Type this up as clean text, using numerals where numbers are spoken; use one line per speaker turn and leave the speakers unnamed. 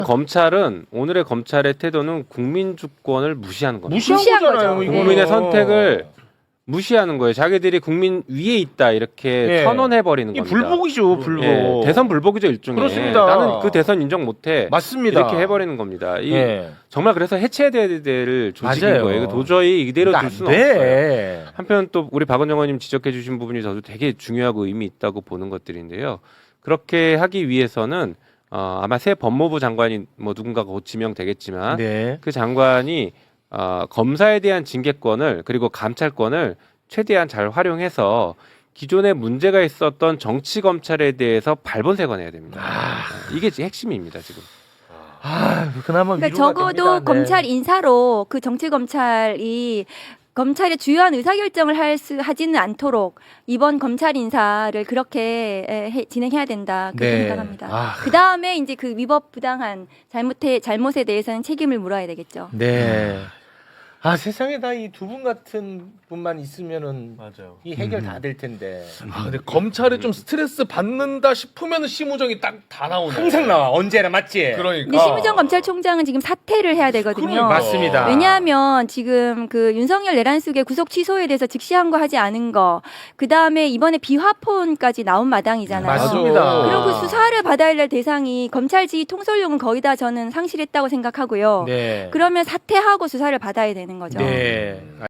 검찰은 오늘의 검찰의 태도는 국민 주권을 무시하는 겁니다.
무시한
거잖아요,
거죠.
이거는.
국민의 선택을 무시하는 거예요. 자기들이 국민 위에 있다 이렇게
예.
선언해 버리는
이
겁니다.
불복이죠, 불복.
예, 대선 불복이죠 일종의.
그렇습니다.
나는 그 대선 인정 못해.
맞습니다.
이렇게 해버리는 겁니다.
예.
정말 그래서 해체해야 될 조직인
맞아요.
거예요. 이거 도저히 이대로
안
둘 수는 없어요.
돼.
한편 또 우리 박은정 의원님 지적해주신 부분이 저도 되게 중요하고 의미 있다고 보는 것들인데요. 그렇게 하기 위해서는 아마 새 법무부 장관이 뭐 누군가가 곧 지명되겠지만
네.
그 장관이 검사에 대한 징계권을 그리고 감찰권을 최대한 잘 활용해서 기존에 문제가 있었던 정치 검찰에 대해서 발본색원해야 됩니다. 이게 핵심입니다 지금.
그나마
그러니까
위로가
적어도
됩니다. 네.
검찰 인사로 그 정치 검찰이 검찰의 주요한 의사결정을 하지는 않도록 이번 검찰 인사를 그렇게 진행해야 된다 그렇게
네.
생각합니다. 그 다음에 이제 그 위법 부당한 잘못에 대해서는 책임을 물어야 되겠죠.
네. 세상에 다 이 두 분 같은 분만 있으면은
맞아요.
이 해결 다 될 텐데.
근데 검찰이 좀 스트레스 받는다 싶으면 심우정이 딱 다 나오네.
항상 나와. 언제나 맞지?
그러니까.
근데 심우정 검찰총장은 지금 사퇴를 해야 되거든요.
그러니까.
맞습니다.
왜냐하면 지금 그 윤석열 내란숙의 구속 취소에 대해서 즉시항고하지 않은 거, 그 다음에 이번에 비화폰까지 나온 마당이잖아요.
맞습니다.
그럼 그 수사를 받아야 할 대상이 검찰 지휘 통솔용은 거의 다 저는 상실했다고 생각하고요.
네.
그러면 사퇴하고 수사를 받아야 되는 거죠.
네.